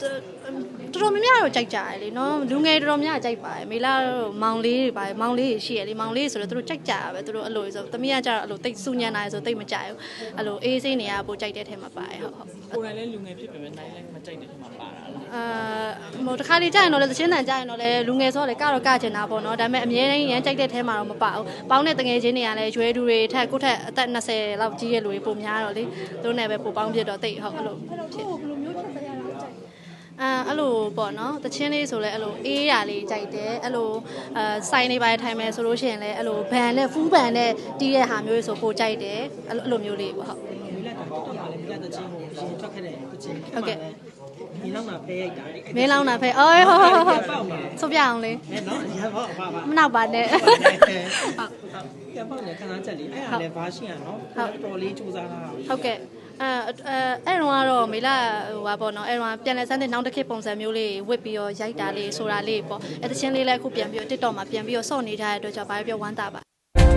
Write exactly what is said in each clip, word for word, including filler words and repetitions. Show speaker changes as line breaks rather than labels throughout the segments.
တော်တော်များများတော့ကြိုက်ကြတယ်လေနော်လူငယ်တော်တော်များကြိုက်ပါတယ်မေလာတို့မောင်လေးတွေပါတယ်မောင်လေးတွေရှိရလေမောင်လေးဆိုတော့သူတို့ကြိုက်ကြတာပဲသူတို့အဲ့လိုဆိုသမီးကကြတော့အဲ့လိုတိတ်စူညံတာဆိုတိတ်မကြိုက်ဘူးအဲ့လိုအေးစိနေရပိုကြိုက်တဲ့ထဲမှာပါတယ်ဟုတ်ဟုတ်
ကိုယ်တိုင်လည်းလူငယ်ဖြစ်ပေမဲ့နိုင်လည်းမကြိုက်တဲ့ထဲမှာပါတာလား
အာဟိုတခါလေးကြရင်တော့လေသချင်းတန်ကြရင်တော့လေလူငယ်ဆိုတော့လေကတော့ကချင်တာပေါ့နော်ဒါပေမဲ့အမြဲတမ်းရမ်းကြိုက်တဲ့ထဲမှာတော့မပါဘူးပေါင်းတဲ့တငယ်ချင်းတွေကလည်းရွယ်သူတွေထက်ကိုထက်အသက်နှစ်ဆယ်လောက်ကြီးရဲ့လူတွေပုံများတော့လေသူတို့နဲ့ပဲပိုပေါင်းပြတော့တိတ်ဟုတ်အဲ့လိုဖြစ်ဘယ်လိုမျိုးဖြစ်တရားလဲအာအဲ့လိုပေါ့နော်တချင်းလေးဆိုလဲအဲ့လိုအေးရလေးကြိုက်တယ်အဲ့လိုအာစိုင်းနေပါထိုင်မယ်ဆိုလို့ရှိရင်လည်းအဲ့လိုဘန်နဲ့ဖူးဘန်နဲ့တီးတဲ့ဟာမျိုးဆိုပိုကြိုက်တယ်အဲ့လိုအဲ့လိုမျိုးလေးပေါ့ဟုတ်
မိလက်တော့တော်တော်လေးမိလက်တချင်းကိုရှင်ထွက်ခဲ့တဲ့တချင်း
ဟုတ်ကဲ့
မင်းလောင်းတာဖဲရိုက်တာ
မင်းလောင်းတာဖဲအော်ဟုတ်ဟုတ်ဟုတ်ဆုပ်ပြအောင်လေ
အဲနော်ရပါပါပါ
မနောက်ပါနဲ့ဟုတ်
ရပါနဲ့ခဏချက်လေးအဲ့ဒါလည်းဘာရှိရနော်တော်တော်လေးစူးစမ်းတာ
ဟုတ်ကဲ့အဲအဲအဲ့တော့ကတော့မေလာဟိုပါပေါ့နော်အဲ့တော့ပြန်လဲစမ်းတဲ့နောက်တစ်ခေတ်ပုံစံမျိုးလေးဝစ်ပြီးတော့ရိုက်တာလေးဆိုတာလေးပေါ့အဲတချင်းလေးလည်းအခုပြန်ပြီးတော့ TikTok မှာပြန်ပြီးတော့စော့နေထားတဲ့အတွက်ကြောင့်ဘာပြောဝမ်းသာပါ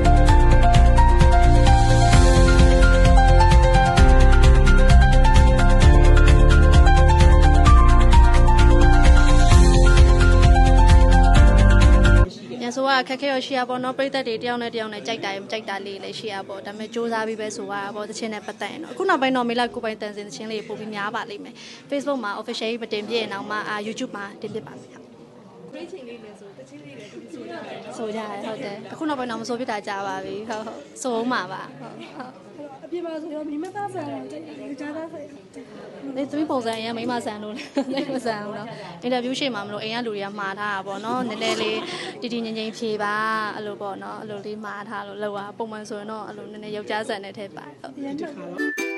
ညဆိုကခက်ခဲရရှိရပေါ့နော်ပြိသက်တွေတယောက်နဲ့တယောက်နဲ့ကြိုက်တာရင်ကြိုက်တာလေးလည်းရှိရပေါ့ဒါပေမဲ့စူးစမ်းပြီးပဲဆိုရပေါ့တချင်းနဲ့ပတ်သက်ရင်တော့အခုနောက်ပိုင်းတော့မေလာကိုပိုင်တန်စင်တချင်းလေးပို့ပြီးများပါလိမ့်မယ် Facebook မှာ official မတင်ပြရင်တော့မှ YouTube မှာတင်ပြပါမယ်ဟုတ်
great ချင်းလေးလည်းဆိုတချင်းလေးလည်းသူဆိုကြတယ်
ဆိုကြတယ်ဟုတ်တယ်အခုနောက်ပိုင်းတော့မဆိုပြတာကြာပါပြီဟုတ်ဟုတ်ဆိုအောင်ပါပါဟုတ်ဟုတ်
အပြစ်ပါဆိုရောမိမသားဆန်တော့ကြားသားဆန်
လေသူပုံစံအရင်မိမဆန်လို့လည်းမဆန်ဘူးเนาะအင်တာဗျူးရှေ့မှာမလို့အိမ်ကလူတွေကမှားထားတာပေါ့เนาะနည်းနည်းလေးတီတီငင်ငင်ဖြေပါအဲ့လိုပေါ့เนาะအဲ့လိုလေးမှားထားလို့လောက်ပါပုံမှန်ဆိုရင်တော့အဲ့လိုနည်းနည်းယောက်ျားဆန်တဲ့ထဲပါဟုတ်